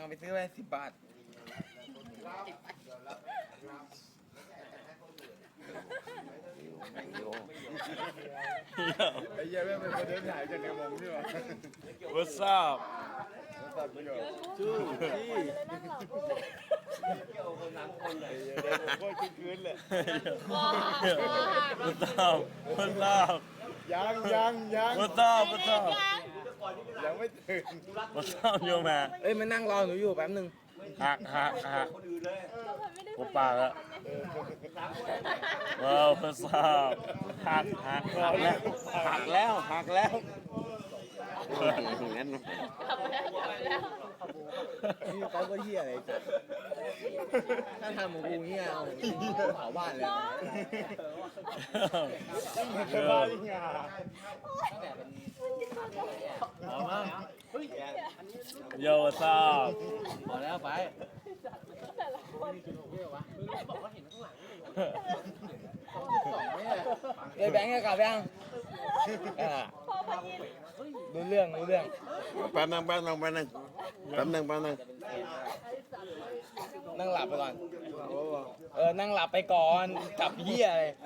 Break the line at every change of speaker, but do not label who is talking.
เอาไปซื้อไป10 บาทไอ้เหี้ยแม่งเป็นคนเดินถ่ายกันในวงนี่หว่า
What's up
ชื่อที่
เด็กโคตรคืนเลย What's up What's up
ยัง
What's up What's up
ยังไม่ตื่น
What's up yo man
เอ้ยมันนั่งรอหนูอยู่แป๊บนึง
หักกูปากแล้วว้าว What's up หักแล้วงั้น
นี่เขาก็เหี้ยอะไรจ้ะถ้าทำของกูเหี้ยเอาเผาบ้านเลย
จะบ้าจริงอ่ะโย่ What's up
พอแล้วไปเลยแบงค์จะกลับยังดูเรื่อง
แป๊บนึง
นั่งหลับไปก่อนนั่งหลับไปก่อนกลับเหี้ยเลย